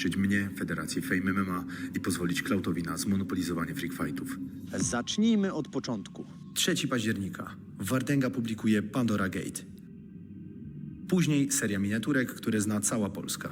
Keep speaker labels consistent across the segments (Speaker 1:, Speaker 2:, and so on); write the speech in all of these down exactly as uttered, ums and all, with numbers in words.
Speaker 1: zniszczyć mnie, Federację Fame M M A i pozwolić Cloutowi na zmonopolizowanie freak fightów.
Speaker 2: Zacznijmy od początku.
Speaker 1: trzeciego października Wardęga publikuje Pandora Gate. Później seria miniaturek, które zna cała Polska.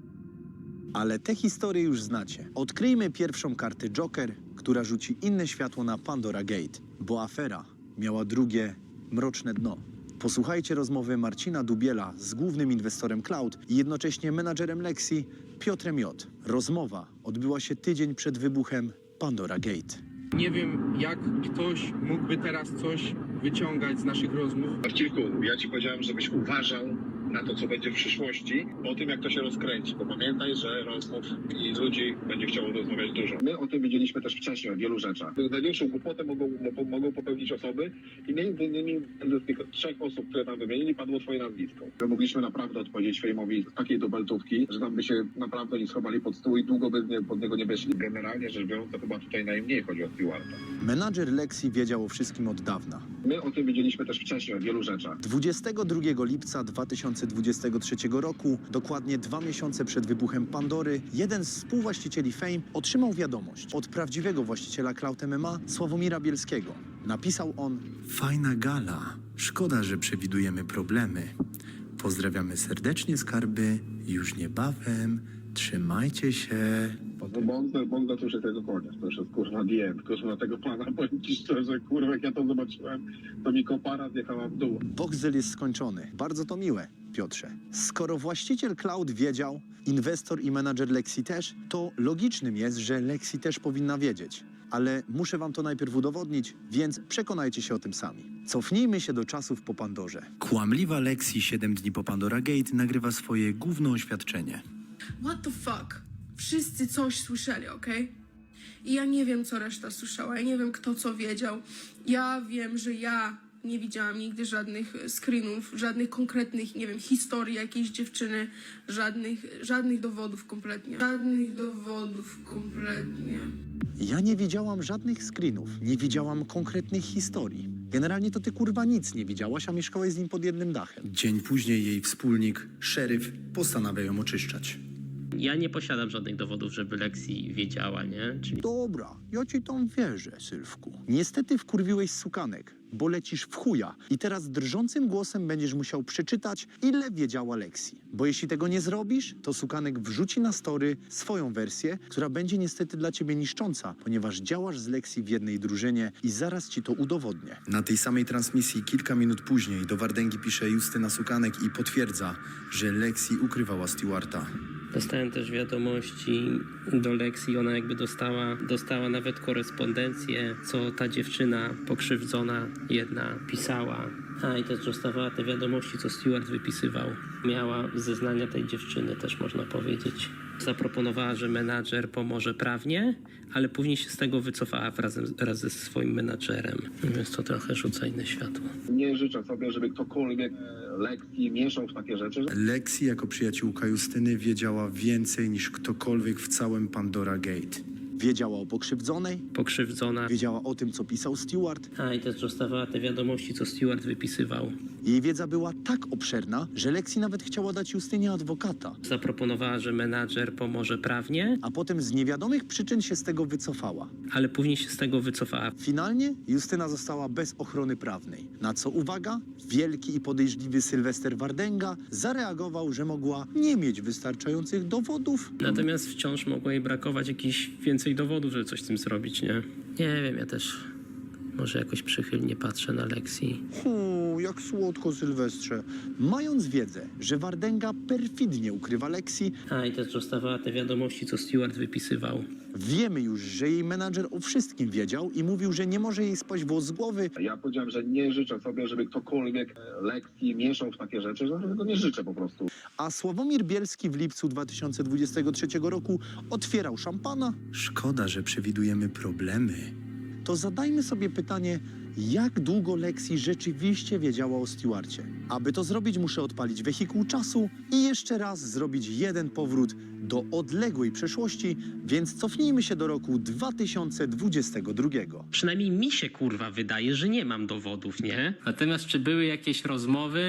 Speaker 2: Ale te historie już znacie. Odkryjmy pierwszą kartę Joker, która rzuci inne światło na Pandora Gate, bo afera miała drugie, mroczne dno. Posłuchajcie rozmowy Marcina Dubiela z głównym inwestorem Cloud i jednocześnie menadżerem Lexi, Piotrem J. Rozmowa odbyła się tydzień przed wybuchem Pandora Gate.
Speaker 3: Nie wiem, jak ktoś mógłby teraz coś wyciągać z naszych rozmów.
Speaker 4: Marcinku, ja ci powiedziałem, żebyś uważał na to, co będzie w przyszłości, po tym, jak to się rozkręci. Bo pamiętaj, że rozmów i ludzi będzie chciało rozmawiać dużo. My o tym wiedzieliśmy też wcześniej, o wielu rzeczach. Największą głupotę mogą, mogą popełnić osoby i między innymi z tych trzech osób, które tam wymienili, padło twoje nazwisko. My mogliśmy naprawdę odpowiedzieć Fejmowi z takiej dubeltówki, że tam by się naprawdę nie schowali pod stół i długo by nie, pod niego nie weszli. Generalnie rzecz biorąc, to chyba tutaj najmniej chodzi o Stewarta.
Speaker 2: Menadżer Lexi wiedział o wszystkim od dawna.
Speaker 4: My o tym wiedzieliśmy też wcześniej, o wielu rzeczach.
Speaker 2: dwudziestego drugiego lipca dwa tysiące dwudziestego trzeciego roku, dokładnie dwa miesiące przed wybuchem Pandory, jeden z współwłaścicieli Fame otrzymał wiadomość od prawdziwego właściciela Cloud M M A, Sławomira Bielskiego. Napisał on:
Speaker 1: Fajna gala. Szkoda, że przewidujemy problemy. Pozdrawiamy serdecznie, skarby. Już niebawem. Trzymajcie się.
Speaker 4: Bonda, Bonda to już jest tego koniec, to już jest kurwa D M, kurwa tego pana, powiem ci szczerze, kurwa jak ja to zobaczyłem, to mi kopara zjechała w dół.
Speaker 2: Boxel jest skończony. Bardzo to miłe, Piotrze. Skoro właściciel Cloud wiedział, inwestor i menadżer Lexi też, to logicznym jest, że Lexi też powinna wiedzieć. Ale muszę wam to najpierw udowodnić, więc przekonajcie się o tym sami. Cofnijmy się do czasów po Pandorze.
Speaker 1: Kłamliwa Lexi siedem dni po Pandora Gate nagrywa swoje główne oświadczenie.
Speaker 5: What the fuck? Wszyscy coś słyszeli, okej? I ja nie wiem, co reszta słyszała, ja nie wiem, kto co wiedział. Ja wiem, że ja nie widziałam nigdy żadnych screenów, żadnych konkretnych, nie wiem, historii jakiejś dziewczyny, żadnych, żadnych dowodów kompletnie. Żadnych dowodów kompletnie.
Speaker 2: Ja nie widziałam żadnych screenów, nie widziałam konkretnych historii. Generalnie to ty kurwa nic nie widziałaś, a mieszkałeś z nim pod jednym dachem.
Speaker 1: Dzień później jej wspólnik, szeryf, postanawia ją oczyszczać.
Speaker 6: Ja nie posiadam żadnych dowodów, żeby Lexi wiedziała, nie? Czyli
Speaker 2: Dobra, ja ci tam wierzę, Sylwku. Niestety wkurwiłeś sukanek, bo lecisz w chuja i teraz drżącym głosem będziesz musiał przeczytać, ile wiedziała Lexi. Bo jeśli tego nie zrobisz, to sukanek wrzuci na story swoją wersję, która będzie niestety dla ciebie niszcząca, ponieważ działasz z Lexi w jednej drużynie i zaraz ci to udowodnię.
Speaker 1: Na tej samej transmisji kilka minut później do Wardęgi pisze Justyna Sukanek i potwierdza, że Lexi ukrywała Stewarta.
Speaker 6: dostałem też wiadomości do Lexi, ona jakby dostała, dostała nawet korespondencję, co ta dziewczyna pokrzywdzona jedna pisała. A i też dostawała te wiadomości, co Stewart wypisywał. Miała zeznania tej dziewczyny, też można powiedzieć. Zaproponowała, że menadżer pomoże prawnie, ale później się z tego wycofała razem, wraz ze swoim menadżerem. Więc to trochę rzuca inne światło.
Speaker 4: Nie życzę sobie, żeby ktokolwiek e, Lexi mieszał w takie rzeczy.
Speaker 1: Lexi jako przyjaciółka Justyny wiedziała więcej niż ktokolwiek w całym Pandora Gate.
Speaker 2: Wiedziała o pokrzywdzonej,
Speaker 6: Pokrzywdzona.
Speaker 2: wiedziała o tym, co pisał Stewart.
Speaker 6: A i też dostawała te wiadomości, co Stewart wypisywał.
Speaker 2: Jej wiedza była tak obszerna, że Lexi nawet chciała dać Justynie adwokata.
Speaker 6: Zaproponowała, że menadżer pomoże prawnie,
Speaker 2: A potem z niewiadomych przyczyn się z tego wycofała.
Speaker 6: ale później się z tego wycofała.
Speaker 2: Finalnie Justyna została bez ochrony prawnej. Na co, uwaga, wielki i podejrzliwy Sylwester Wardęga zareagował, że mogła nie mieć wystarczających dowodów.
Speaker 6: Natomiast wciąż mogło jej brakować jakichś więcej dowodów, żeby coś z tym zrobić, nie? Nie wiem, ja też może jakoś przychylnie patrzę na Lexi.
Speaker 2: Hu, jak słodko, Sylwestrze. Mając wiedzę, że Wardęga perfidnie ukrywa Lexi,
Speaker 6: A i też dostawała te wiadomości, co Stewart wypisywał.
Speaker 2: wiemy już, że jej menadżer o wszystkim wiedział i mówił, że nie może jej spaść włos z głowy.
Speaker 4: Ja powiedziałem, że nie życzę sobie, żeby ktokolwiek e, Lexi mieszał w takie rzeczy, że tego nie życzę po prostu.
Speaker 2: A Sławomir Bielski w lipcu dwa tysiące dwudziestego trzeciego roku otwierał szampana.
Speaker 1: Szkoda, że przewidujemy problemy.
Speaker 2: To zadajmy sobie pytanie, jak długo Lexi rzeczywiście wiedziała o Stewarcie. Aby to zrobić, muszę odpalić wehikuł czasu i jeszcze raz zrobić jeden powrót do odległej przeszłości, więc cofnijmy się do roku dwa tysiące dwudziestego drugiego.
Speaker 6: Przynajmniej mi się kurwa wydaje, że nie mam dowodów, nie? Natomiast czy były jakieś rozmowy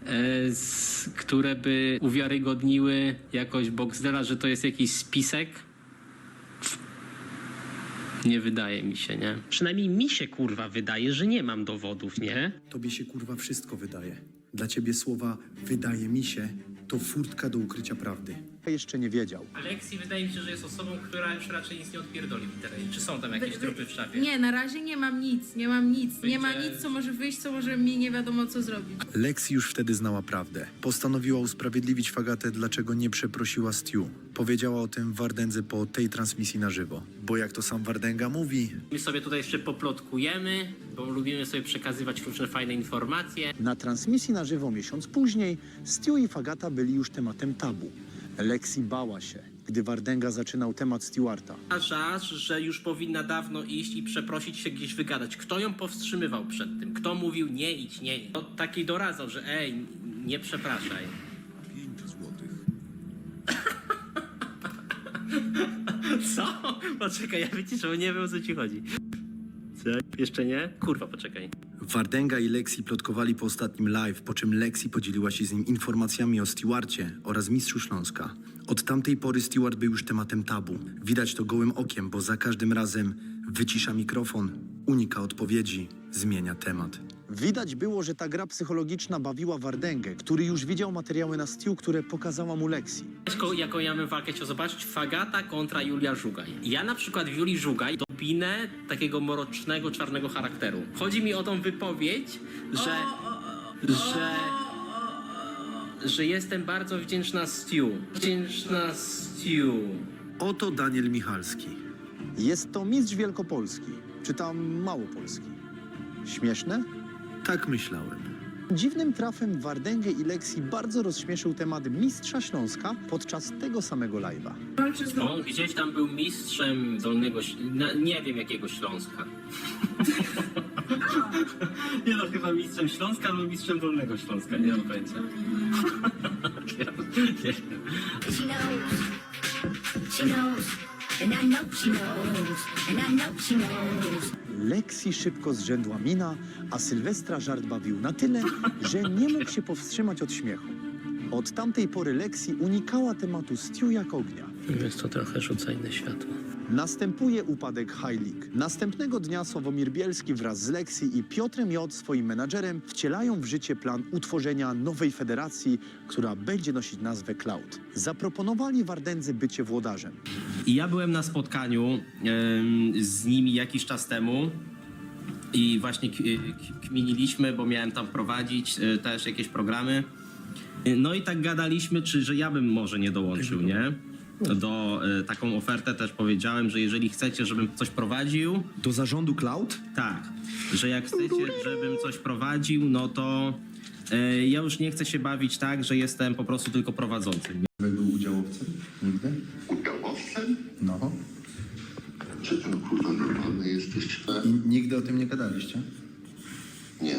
Speaker 6: e, z, które by uwiarygodniły jakoś Boxdela, że to jest jakiś spisek. Nie wydaje mi się, nie? Przynajmniej mi się, kurwa, wydaje, że nie mam dowodów, nie?
Speaker 1: Tobie się kurwa wszystko wydaje. Dla ciebie słowa wydaje mi się to furtka do ukrycia prawdy.
Speaker 2: Jeszcze nie wiedział.
Speaker 6: Alexi wydaje mi się, że jest osobą, która już raczej nic nie odpierdoli w internecie. Czy są tam jakieś trupy w szafie?
Speaker 5: Nie, na razie nie mam nic, nie mam nic. Nie ma
Speaker 6: Będzie-
Speaker 5: nic, co może wyjść, co może mi nie wiadomo co zrobić.
Speaker 1: Lexi już wtedy znała prawdę. Postanowiła usprawiedliwić Fagatę, dlaczego nie przeprosiła Stu. Powiedziała o tym Wardędze po tej transmisji na żywo. Bo jak to sam Wardęga mówi,
Speaker 6: My sobie tutaj jeszcze poplotkujemy, bo lubimy sobie przekazywać różne fajne informacje.
Speaker 2: Na transmisji na żywo miesiąc później Stu i Fagata byli już tematem tabu. Lexi bała się, gdy Wardęga zaczynał temat Stewarta.
Speaker 6: Uważasz, że już powinna dawno iść i przeprosić się gdzieś wygadać. Kto ją powstrzymywał przed tym? Kto mówił nie idź, nie idź? Kto taki doradzał, że ej, nie przepraszaj. Co? Poczekaj, ja wyciszę, nie wiem o co ci chodzi. Co? Jeszcze nie? Kurwa, poczekaj.
Speaker 1: Wardęga i Lexi plotkowali po ostatnim live, po czym Lexi podzieliła się z nim informacjami o Stewarcie oraz Mistrzu Śląska. Od tamtej pory Stewart był już tematem tabu. Widać to gołym okiem, bo za każdym razem wycisza mikrofon, unika odpowiedzi, zmienia temat.
Speaker 2: Widać było, że ta gra psychologiczna bawiła Wardęgę, który już widział materiały na Stu, które pokazała mu Lexi.
Speaker 6: Jaką, jaką ja bym walkę chciał zobaczyć? Fagata kontra Julia Żugaj. Ja na przykład w Julii Żugaj dopinę takiego mrocznego, czarnego charakteru. Chodzi mi o tą wypowiedź, że... że... że jestem bardzo wdzięczna Stu. Wdzięczna Stu.
Speaker 1: Oto Daniel Michalski.
Speaker 2: Jest to mistrz Wielkopolski, czy tam Małopolski. Śmieszne?
Speaker 1: Tak myślałem.
Speaker 2: Dziwnym trafem Wardęgę i Lexi bardzo rozśmieszył temat Mistrza Śląska podczas tego samego live'a.
Speaker 5: Walczę z
Speaker 6: On gdzieś tam był mistrzem Dolnego... Śl- na, nie wiem jakiego Śląska. Nie no, chyba mistrzem Śląska albo mistrzem Dolnego Śląska, nie mam pojęcia. nie, nie.
Speaker 7: She knows, she knows, and I know she knows, and I know she knows.
Speaker 2: Lexi szybko zrzędła mina, a Sylwestra żart bawił na tyle, że nie mógł się powstrzymać od śmiechu. Od tamtej pory Lexi unikała tematu Stu jak ognia.
Speaker 6: Więc to trochę rzuca inne światło.
Speaker 2: Następuje upadek High League. Następnego dnia Sławomir Bielski wraz z Lexi i Piotrem J., swoim menadżerem, wcielają w życie plan utworzenia nowej federacji, która będzie nosić nazwę Cloud. Zaproponowali Wardędze bycie włodarzem.
Speaker 8: I ja byłem na spotkaniu em, z nimi jakiś czas temu i właśnie k- k- kminiliśmy, bo miałem tam prowadzić e, też jakieś programy. E, No i tak gadaliśmy, czy że ja bym może nie dołączył, nie? Do e, taką ofertę też powiedziałem, że jeżeli chcecie, żebym coś prowadził,
Speaker 1: Do zarządu Cloud?
Speaker 8: tak, że jak chcecie, żebym coś prowadził, no to e, ja już nie chcę się bawić tak, że jestem po prostu tylko prowadzącym.
Speaker 1: Był udziałowcem? Nigdy?
Speaker 9: Udziałowcem?
Speaker 1: No.
Speaker 9: Czy ten kurwa normalny jesteś?
Speaker 1: I nigdy o tym nie gadaliście?
Speaker 9: Nie.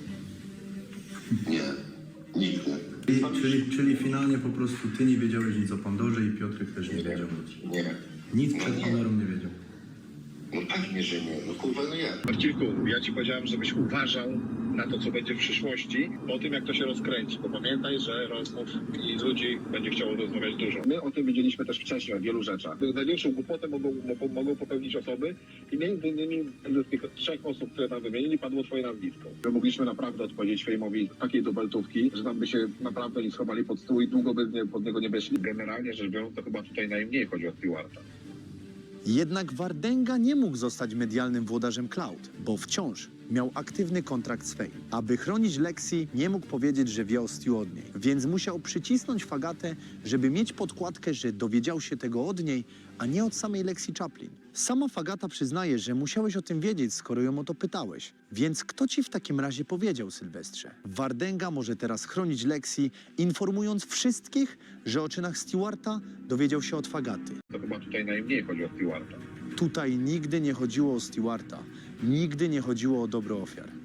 Speaker 9: Nie. Nigdy.
Speaker 1: Czyli, czyli, czyli finalnie po prostu ty nie wiedziałeś nic o Pandorze i Piotrek też nie wiedział nic.
Speaker 9: Nie.
Speaker 1: Nic
Speaker 9: No
Speaker 1: przed
Speaker 9: nie.
Speaker 1: Pandorą nie wiedział.
Speaker 9: No pewnie, że nie. No kurwa, no jak?
Speaker 4: Marcinku, ja ci powiedziałem, żebyś uważał na to, co będzie w przyszłości, po tym, jak to się rozkręci. Bo pamiętaj, że rozmów i ludzi będzie chciało rozmawiać dużo. My o tym wiedzieliśmy też wcześniej, o wielu rzeczach. Największą głupotę mogą, mogą, mogą popełnić osoby i między innymi z tych trzech osób, które tam wymienili, padło twoje nazwisko. My mogliśmy naprawdę odpowiedzieć Fejmowi takiej dubeltówki, że tam by się naprawdę nie schowali pod stół i długo by nie, pod niego nie weszli. Generalnie rzecz biorąc, to chyba tutaj najmniej chodzi o Stewarta.
Speaker 2: Jednak Wardęga nie mógł zostać medialnym włodarzem Cloud, bo wciąż miał aktywny kontrakt z Fame. Aby chronić Lexi, nie mógł powiedzieć, że wie o Stu od niej, więc musiał przycisnąć Fagatę, żeby mieć podkładkę, że dowiedział się tego od niej, a nie od samej Lexi Chaplin. Sama Fagata przyznaje, że musiałeś o tym wiedzieć, skoro ją o to pytałeś. Więc kto ci w takim razie powiedział, Sylwestrze? Wardęga może teraz chronić Lexi, informując wszystkich, że o czynach Stewarta dowiedział się od Fagaty.
Speaker 4: To chyba tutaj najmniej chodzi o Stewarta.
Speaker 2: Tutaj nigdy nie chodziło o Stewarta. Nigdy nie chodziło o dobro ofiar.